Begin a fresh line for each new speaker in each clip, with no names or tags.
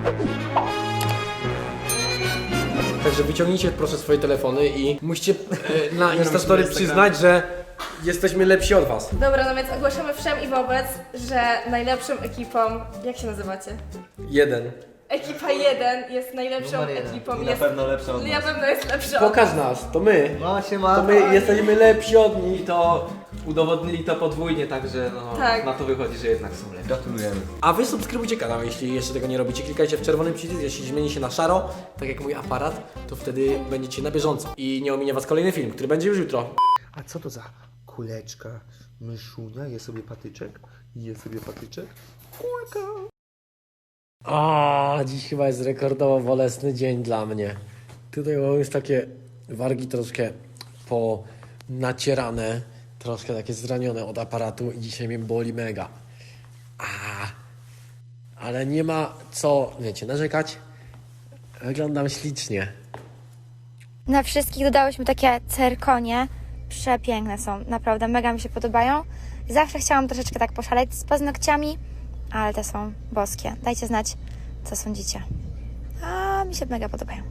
Także wyciągnijcie proszę swoje telefony i musicie na Instastory przyznać, że jesteśmy lepsi od was.
Dobra, no więc ogłaszamy wszem i wobec, że najlepszą ekipą, jak się nazywacie?
1.
Ekipa 1 jest najlepszą ekipą.
I na pewno lepsza od
Na
nas.
pewno jest lepsza.
Pokaż nas, to my.
No siema.
To my jesteśmy lepsi od nich.
I to udowodnili to podwójnie, także no,
Tak.
na to wychodzi, że jednak są lepsi.
Gratulujemy.
A wy subskrybujcie kanał, jeśli jeszcze tego nie robicie. Klikajcie w czerwony przycisk, jeśli zmieni się na szaro, tak jak mój aparat, to wtedy będziecie na bieżąco. I nie ominie was kolejny film, który będzie już jutro.
A co to za kuleczka? Myszunia, je sobie patyczek. Je sobie patyczek. Kulka.
A, dziś chyba jest rekordowo bolesny dzień dla mnie. Tutaj mam już takie wargi troszkę ponacierane, troszkę takie zranione od aparatu i dzisiaj mnie boli mega. Ale nie ma co, wiecie, narzekać. Wyglądam ślicznie.
Na wszystkich dodałyśmy takie cyrkonie. Przepiękne są, naprawdę mega mi się podobają. Zawsze chciałam troszeczkę tak poszaleć z paznokciami, ale te są boskie. Dajcie znać, co sądzicie. A mi się mega podobają.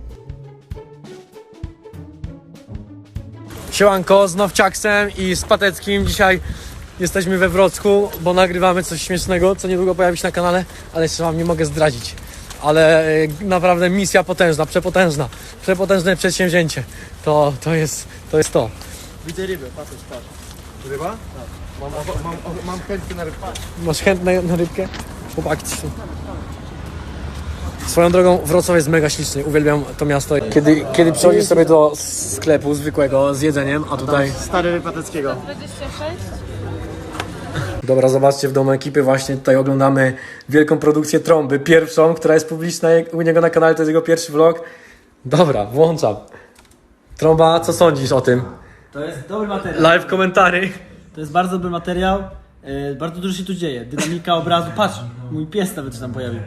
Siemanko, z Nowciaksem i z Pateckim. Dzisiaj jesteśmy we Wrocku, bo nagrywamy coś śmiesznego, co niedługo pojawi się na kanale, ale jeszcze wam nie mogę zdradzić. Ale naprawdę misja potężna, przepotężne przedsięwzięcie. To jest to.
Widzę rybę, patrz. Ryba? Tak. Mam chętkę na rybkę.
Masz chętne na rybkę? Chłopaki są. Swoją drogą Wrocław jest mega śliczny, uwielbiam to miasto. Kiedy przychodzisz sobie do sklepu zwykłego z jedzeniem, a tutaj...
Stary ryb Pateckiego.
26?
Dobra, zobaczcie, w domu ekipy właśnie tutaj oglądamy wielką produkcję Trąby, pierwszą, która jest publiczna u niego na kanale, to jest jego pierwszy vlog. Dobra, włączam. Trąba, co sądzisz o tym?
To jest dobry materiał.
Live komentary.
To jest bardzo dobry materiał. Bardzo dużo się tu dzieje. Dynamika obrazu. Patrz, mój pies nawet się tam pojawił.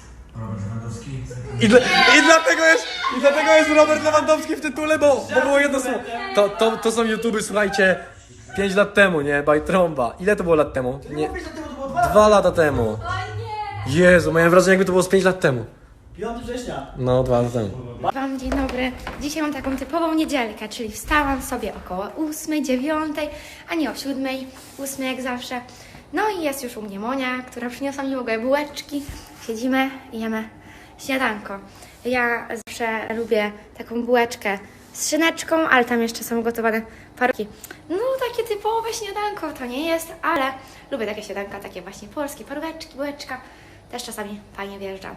I dlatego jest Robert Lewandowski w tytule, bo było jedno słowo. To są YouTuby, słuchajcie, 5 lat temu, nie? By Trąba. Ile to było lat temu? Nie. 2 lata temu. Jezu, miałem wrażenie, jakby to było z 5 lat temu.
5 września.
No, 2 lata temu.
Wam dzień dobry. Dzisiaj mam taką typową niedzielkę, czyli wstałam sobie około 8, 9, a nie o 7, 8 jak zawsze. No i jest już u mnie Monia, która przyniosła mi w ogóle bułeczki. Siedzimy i jemy śniadanko. Ja zawsze lubię taką bułeczkę z szyneczką, ale tam jeszcze są gotowane parówki. No takie typowe śniadanko to nie jest, ale lubię takie śniadanka, takie właśnie polskie, paróweczki, bułeczka. Też czasami fajnie wjeżdżam.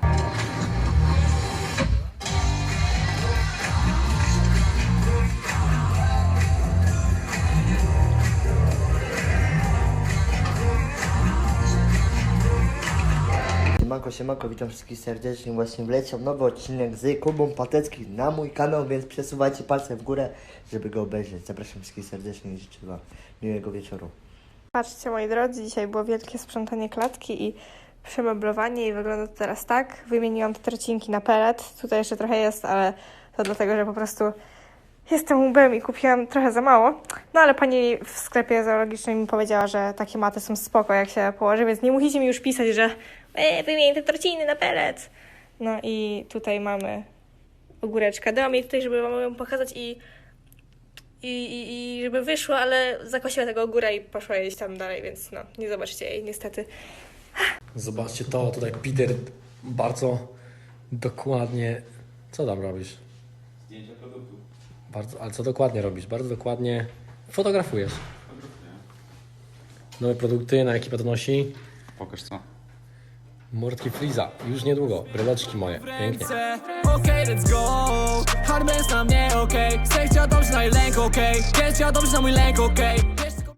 Siemanko, witam wszystkich serdecznie. Właśnie wleciał nowy odcinek z Kubą Pateckim na mój kanał, więc przesuwajcie palce w górę, żeby go obejrzeć. Zapraszam wszystkich serdecznie i życzę wam miłego wieczoru.
Patrzcie, moi drodzy, dzisiaj było wielkie sprzątanie klatki i przemeblowanie i wygląda to teraz tak. Wymieniłam te trecinki na pelet. Tutaj jeszcze trochę jest, ale to dlatego, że po prostu jestem łbem i kupiłam trochę za mało. No ale pani w sklepie zoologicznym mi powiedziała, że takie maty są spoko, jak się położy, więc nie musicie mi już pisać, że wymień te trociny na pelet. No i tutaj mamy ogóreczkę. Dałam jej tutaj, żeby wam ją pokazać i żeby wyszło, ale zakosiła tego ogóra i poszła jeść tam dalej, więc no, nie zobaczycie jej niestety.
Zobaczcie to, tutaj Peter bardzo dokładnie... Co tam robisz?
Zdjęcia produktu.
Ale co dokładnie robisz? Bardzo dokładnie fotografujesz. Nowe produkty, na ekipa to nosi.
Pokaż co.
Mordki Freeza, już niedługo, bryleczki moje, pięknie.
Okej, let's go. Hard na mnie, okej. Chcę chciał dobrze na jej lęk, okej. Chcę chciał dobrze na mój lęk, okej.